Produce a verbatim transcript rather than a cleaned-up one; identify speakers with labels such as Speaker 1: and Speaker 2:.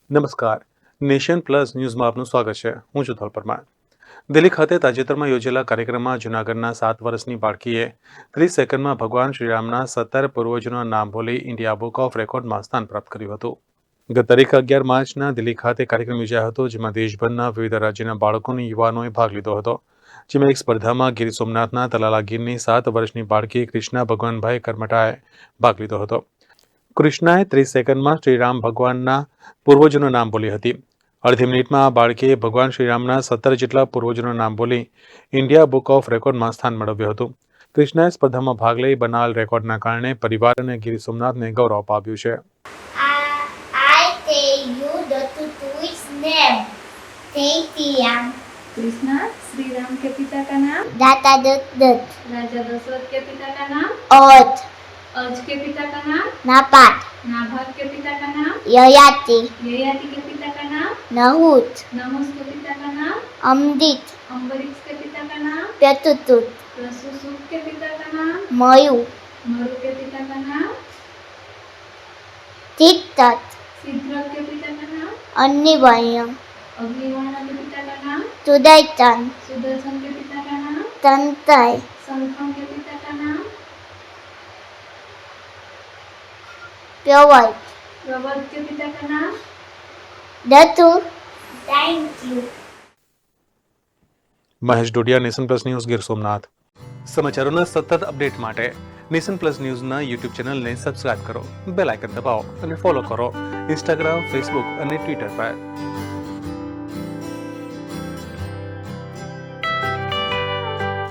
Speaker 1: નમસ્કાર, nation plus ન્યૂઝમાં આપનું સ્વાગત છે. હું છું ધોલ પરમાર. દિલ્હી ખાતે તાજેતરમાં યોજેલા કાર્યક્રમમાં જૂનાગઢના સાત વર્ષની બાળકીએ ત્રીસ સેકન્ડમાં ભગવાન શ્રીરામના સત્તર પૂર્વજોના નામ બોલી ઇન્ડિયા બુક ઓફ રેકોર્ડમાં સ્થાન પ્રાપ્ત કર્યું હતું. ગત તારીખ અગિયાર માર્ચના દિલ્હી ખાતે કાર્યક્રમ યોજાયો હતો, જેમાં દેશભરના વિવિધ રાજ્યના બાળકો અને યુવાનોએ ભાગ લીધો હતો. જેમાં એક સ્પર્ધામાં ગીર સોમનાથના તલાલા ગીરની સાત વર્ષની બાળકી કૃષ્ણા ભગવાનભાઈ કરમટાએ ભાગ લીધો હતો. કૃષ્ણાએ ત્રીસ સેકન્ડમાં શ્રીરામ ભગવાનના પૂર્વજોનું નામ બોલી હતી. અડધી મિનિટમાં આ બાળકીએ ભગવાન શ્રીરામના સત્તર જેટલા પૂર્વજોનું નામ બોલી ઇન્ડિયા બુક ઓફ રેકોર્ડમાં સ્થાન મેળવ્યું હતું. કૃષ્ણાએ સ્પર્ધામાં ભાગ લઈ બનાવેલ રેકોર્ડના કારણે પરિવાર અને ગીર સોમનાથને ગૌરવ અપાવ્યું છે.
Speaker 2: I tell you the tutu's name. Tetiam.
Speaker 3: Krishna Shri Ram के पिता का नाम,
Speaker 2: Data dut dut.
Speaker 3: राजा दशरथ के पिता का नाम,
Speaker 2: Ot.
Speaker 3: अर्ज के पिता का नाम,
Speaker 2: Napat.
Speaker 3: नाभाग के पिता का नाम,
Speaker 2: Yayati.
Speaker 3: ययाति के पिता का नाम,
Speaker 2: Nahut.
Speaker 3: नहुस के पिता का नाम,
Speaker 2: Amdit.
Speaker 3: अम्बरीश के पिता का नाम,
Speaker 2: Pyatutut.
Speaker 3: प्रसूसुक के पिता का नाम,
Speaker 2: Mayu.
Speaker 3: मरु के पिता का नाम,
Speaker 2: Tiktat.
Speaker 3: सिद्ध्रक के पिता का नाम,
Speaker 2: Annivayam.
Speaker 3: अग्निवर्ण के पिता का नाम,
Speaker 2: Tudaitan.
Speaker 3: सुदर्शन के पिता का नाम,
Speaker 2: Tantai.
Speaker 3: शंखम के पिता का नाम,
Speaker 2: Pyawai.
Speaker 3: प्रवध के पिता का नाम,
Speaker 2: Datu. Thank you.
Speaker 1: Mahesh Dodiya, nation plus news, Gir Somnath. સમાચારોના સતત અપડેટ માટે નેશન પ્લસ ન્યૂઝના યુટ્યુબ ચેનલને સબસ્ક્રાઇબ કરો, બેલ આઇકન દબાવો અને ફોલો કરો ઇન્સ્ટાગ્રામ, ફેસબુક અને ટ્વિટર પર.